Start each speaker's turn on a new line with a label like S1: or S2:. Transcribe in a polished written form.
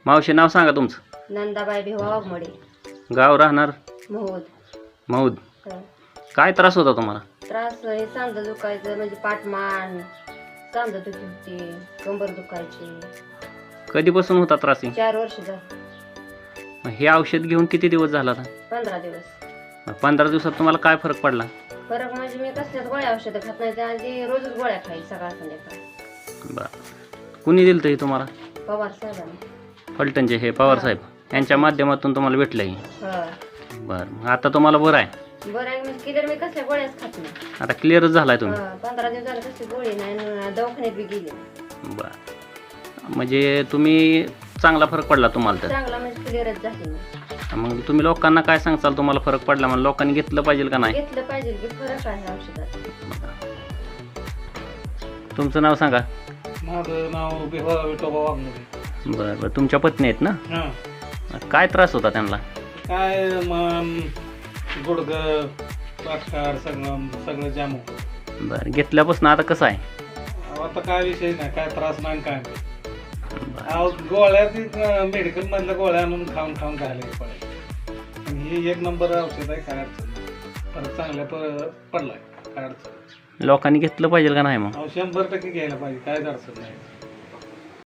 S1: मावशी नाव सांगा तुमचं.
S2: नंदाबाई भिवा वाघमोडे.
S1: गाव राहणार
S2: महूद.
S1: मौद.
S2: हं.
S1: काय त्रास होता तुम्हाला?
S2: त्रास हे सांधं दुखायचं म्हणजे पाठमान, सांधं दुखी होती, कंबर दुखायची.
S1: कधीपासून होता त्रास हे?
S2: 4 वर्ष झाली.
S1: हे औषध घेऊन किती दिवस झाला आता?
S2: 15 दिवस.
S1: 15 दिवसात तुम्हाला काय फरक पडला?
S2: फरक म्हणजे मी कसल्याच गोळ्या औषधं खात नाही, त्याआधी रोजच गोळ्या खाई सकाळ संध्याकाळ.
S1: बरं. कुणी दिलं हे तुम्हाला?
S2: पवार साहेबांनी.
S1: फलटणचे हे पवार साहेब यांच्या माध्यमातून तुम्हाला भेटलं हे?
S2: हं.
S1: बरं. आता तुम्हाला बरं आहे?
S2: बरं आहे म्हणजे क्लिअर मी कसल्या गोळ्याच खात नाही.
S1: आता क्लिअरच झालाय तुम्ही?
S2: 15 दिवस झालं कसली गोळी नाही आणि दवाखान्यात बी गेली नाही.
S1: बरं. म्हणजे तुम्ही चांगला फरक पडला तुम्हाला तर?
S2: चांगला म्हणजे क्लिअरच झाली नाही.
S1: मग तुम्ही लोकांना काय सांगचाल तुम्हाला फरक पडला म्हणून? लोकांनी घेतलं पाहिजे का नाही?
S2: घेतलं पाहिजे की फरक आहे औषधात.
S1: तुमचं नाव सांगा.
S3: माझं नाव भिवा विठोबा वाघमोडे.
S1: बरं बरं. तुमच्या पत्नी आहेत ना?
S3: हां.
S1: काय त्रास होता त्यांना?
S3: काय मन गुडघं पाठकाड सगळं जाम होतं.
S1: बरं. घेतल्यापासून आता कसं आहे?
S3: आता काय विषय नाही, काय त्रास नाही काय नाही.
S1: बरं.
S3: गोळ्या मेडिकल मधल्या गोळ्या आणून खाऊन खायला पडायचं. आणि हे एक नंबर औषध आहे, काय अडचण नाही. परत चांगल्या पडलाय, काय अडचण.
S1: लोकांनी घेतलं पाहिजे का नाही मग?
S3: 100% घ्यायला पाहिजे, काय अडचण नाही.